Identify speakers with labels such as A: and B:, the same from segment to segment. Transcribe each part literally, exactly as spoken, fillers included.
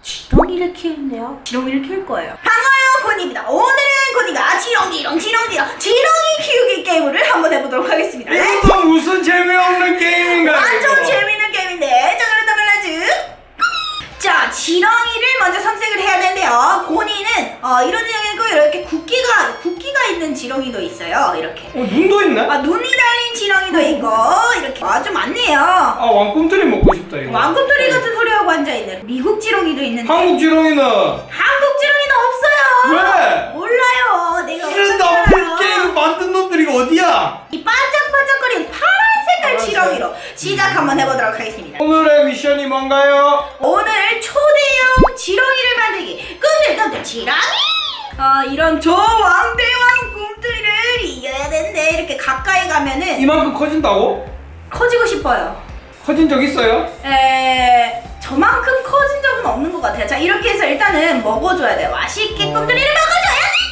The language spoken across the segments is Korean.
A: 지렁이를 키우는데요. 지렁이를 키울 거예요.
B: 반가워요, 고니입니다. 오늘은 고니가 지렁지렁 지렁지렁 지렁이 키우기 게임을 한번 해보도록 하겠습니다.
C: 이것도 무슨 재미없는 게임인가요?
B: 완전 재밌는 게임인데, 자 그렇다면 렛츠 자, 지렁이를 먼저 선택을 해야 되는데요. 고니는 어, 이런 지렁이고 이렇게 굵기가 굵기가 있는 지렁이도 있어요. 이렇게.
C: 어, 눈도 있네?
B: 아, 눈이 달린 지렁이도 있고 이렇게 아주 많네요.
C: 아, 왕꿈틀이 먹고 싶다 이거.
B: 왕꿈틀이 같은 소리하고 앉아있는 미국 지렁이도 있는데
C: 한국 지렁이는
B: 한국 지렁이는 없어요.
C: 왜?
B: 몰라요. 내가
C: 이런 나쁜 게임 만든 놈들이 어디야?
B: 이 반짝반짝거리는 파란 색깔
C: 파란색.
B: 지렁이로 시작 한번 해보도록 하겠습니다.
C: 오늘의 미션이 뭔가요?
B: 오늘 초대형 지렁이를 만들기. 꿈틀꿈틀 지렁이. 아, 이런 저 왕대왕 꿈틀이를 이겨야 되는데 이렇게 가까이 가면은
C: 이만큼 커진다고?
B: 커지고 싶어요.
C: 커진 적 있어요?
B: 에 저만큼 커진 적은 없는 것 같아요. 자, 이렇게 해서 일단은 먹어줘야 돼요. 맛있게
C: 어.
B: 꿈틀이를 먹어줘야지.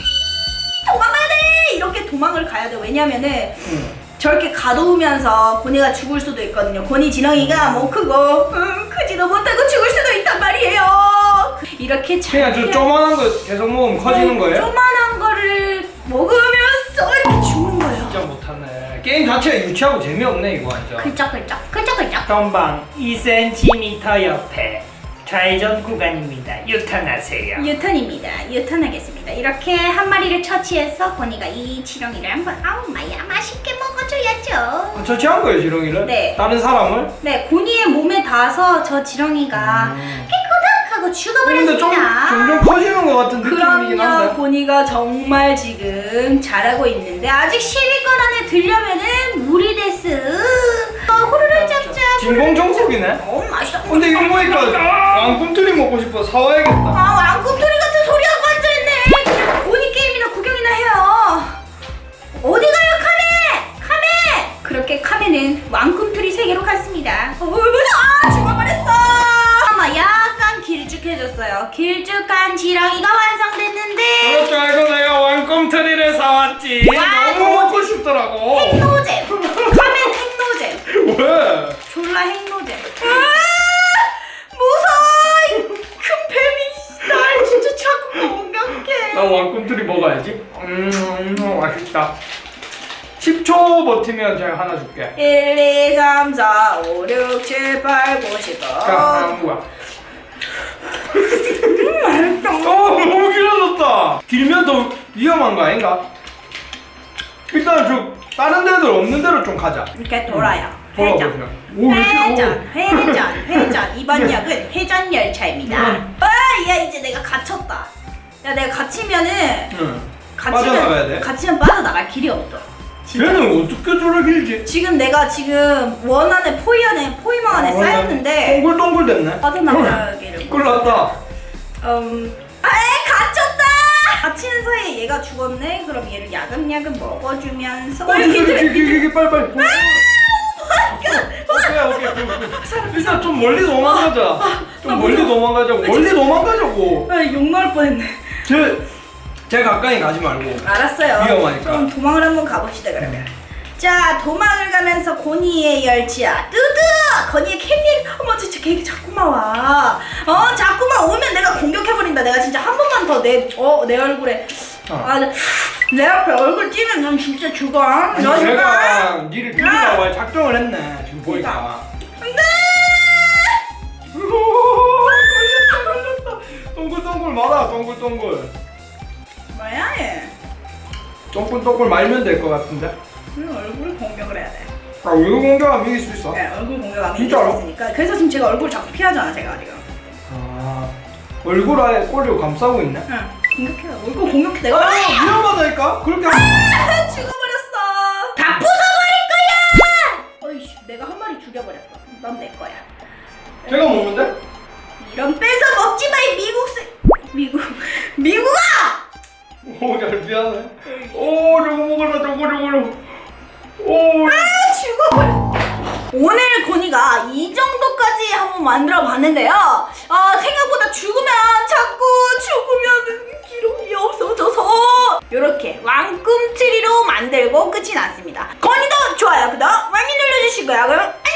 B: 도망가야 돼. 이렇게 도망을 가야 돼. 왜냐면은
C: 응.
B: 저렇게 가둬오면서 고니가 죽을 수도 있거든요. 고니 지렁이가 뭐 크고 음, 크지도 못하고 죽을 수도 있단 말이에요. 이렇게 잘
C: 그냥 저 조만한 거 계속 먹으면 커지는 거예요?
B: 조만한 거를 먹으면서 이렇게 죽는 거예요.
C: 진짜 못하네. 게임 자체가 유치하고 재미없네 이거 완전.
B: 글쩍글쩍 글쩍글쩍.
D: 전방 이 센티미터 옆에 좌회전 구간입니다. 유턴하세요.
B: 유턴입니다. 유턴하겠습니다. 이렇게 한 마리를 처치해서 고니가 이 지렁이를 한번 아우 마야 맛있게 먹어줘야죠.
C: 아, 처치한 거예요 지렁이를?
B: 네.
C: 다른 사람을?
B: 네, 고니의 몸에 닿아서 저 지렁이가
C: 음.
B: 깨끗하고
C: 근데
B: 죽어버렸습니다.
C: 좀 점점 커지는 것 같은 느낌이긴
B: 그럼요.
C: 한데.
B: 고니가 정말 지금 잘하고 있는데 아직 십 위권 안에 들려면은 무리 데스. 어, 호루를 짭짭.
C: 진공 청소기네.
B: 어, 맛있어.
C: 근데 이거 보니까 왕꿈틀이 먹고 싶어 사와야겠다.
B: 아, 왕꿈틀이 같은 소리하고 앉아있네. 그냥 고니 게임이나 구경이나 해요. 어디 가요, 카메? 카메! 그렇게 카메는 왕꿈틀이 세계로 갔습니다. 어, 무서워! 아, 죽어버렸어! 아마 약간 길쭉해졌어요. 길쭉한 지렁이가 완성됐는데
C: 그럴 줄 알고 내가 왕꿈틀이를 사왔지.
B: 왕-
C: 너무 먹고 싶더라고.
B: 핵노잼! 카멘 핵노잼!
C: 왜?
B: 졸라 핵노잼. 아, 무서워! 이 큰 뱀이 날 진짜 자꾸 공격해.
C: 나 왕꿈틀이 먹어야지. 음, 음 맛있다. 십 초 버티면 제가 하나 줄게.
B: 일, 이, 삼, 사, 오, 육, 칠, 팔, 구, 십.
C: 자, 다음 거야. 음, 맛있다. 어, 너무 길어졌다. 길면 더 위험한 거 아닌가? 일단 저 다른 데들 없는 데로 좀 가자.
B: 이렇게 돌아요. 회전.
C: 돌아보세요. 오, 왜 이렇게-
B: 회전, 회전, 회전. 이번 역은 회전 열차입니다.
C: 음.
B: 아, 야, 이제 내가 갇혔다. 야, 내가 갇히면은
C: 응.
B: 갇히면
C: 빠져나가야 돼?
B: 갇히면 빠져나갈 길이 없어. 진짜.
C: 걔는 어떻게 저래 길지?
B: 지금 내가 지금 원 안에 포위 안에 포위망 안에
C: 아,
B: 쌓였는데
C: 동글동글 됐네.
B: 빠져나가기를.
C: 큰일 났다.
B: 음, 아에 갇혔다. 갇히는 사이에 얘가 죽었네. 그럼 얘를 야금야금 먹어주면서.
C: 어,
B: 이렇게
C: 이게,
B: 돼.
C: 이게, 이게, 이게, 빨리, 빨리. 오케이, 오케이, 오케이, 오케이. 일단 좀 멀리 도망가자. 좀 멀리 도망가자고. 멀리 도망가자고.
B: 아, 욕 나올 뻔했네.
C: 제, 제 가까이 가지 말고.
B: 알았어요.
C: 위험하니까.
B: 좀 도망을 한번 가봅시다 그러면. 자, 도망을 가면서 고니의 열차 뚜뚜! 고니의 캐디. 어머, 진짜 걔 자꾸만 와. 어, 자꾸만 오면 내가 공격해버린다. 내가 진짜 한 번만 더 내 어, 내 얼굴에.
C: 어.
B: 아, 내, 내 앞에 얼굴 찌면 넌 진짜 죽어.
C: 아니,
B: 너 죽어.
C: 제가 니를 죽이라고 할 작정을 했네. 지금 보니까.
B: 안돼.
C: 걸렸다, 걸렸다. 동글동글 말아, 동글동글.
B: 뭐야 얘?
C: 동글동글 말면 될 것 같은데.
B: 응, 얼굴 공격을 해야 돼.
C: 아, 얼굴 공격하면 이길 수 있어?
B: 네, 얼굴 공격하면
C: 진짜로?
B: 이길 수 있으니까. 그래서 지금 제가 얼굴 자꾸 피하잖아, 제가 지금.
C: 아, 얼굴 아예 꼬리로 감싸고 있네.
B: 응, 공격해. 얼굴 공격해. 내가.
C: 아, 위험하다니까? 그렇게 하면.
B: 아, 죽어버렸어. 다 부숴버릴 거야. 어이씨, 내가 한 마리 죽여버렸어. 넌 내 거야.
C: 제가 먹는데?
B: 이런 뺏어 먹지 마, 이 미국 새. 미국. 미국아!
C: 오, 잘 미안해. 오, 저거 먹어라, 저거, 저거, 저거. 오,
B: 아, 죽어버려. 오늘 고니가 이 정도까지 한번 만들어 봤는데요. 어, 생각보다 죽으면 자꾸 죽으면 기록이 없어져서 이렇게 왕꿈틀이로 만들고 끝이 났습니다. 고니도 좋아요, 구독 많이 눌러주시고요. 그럼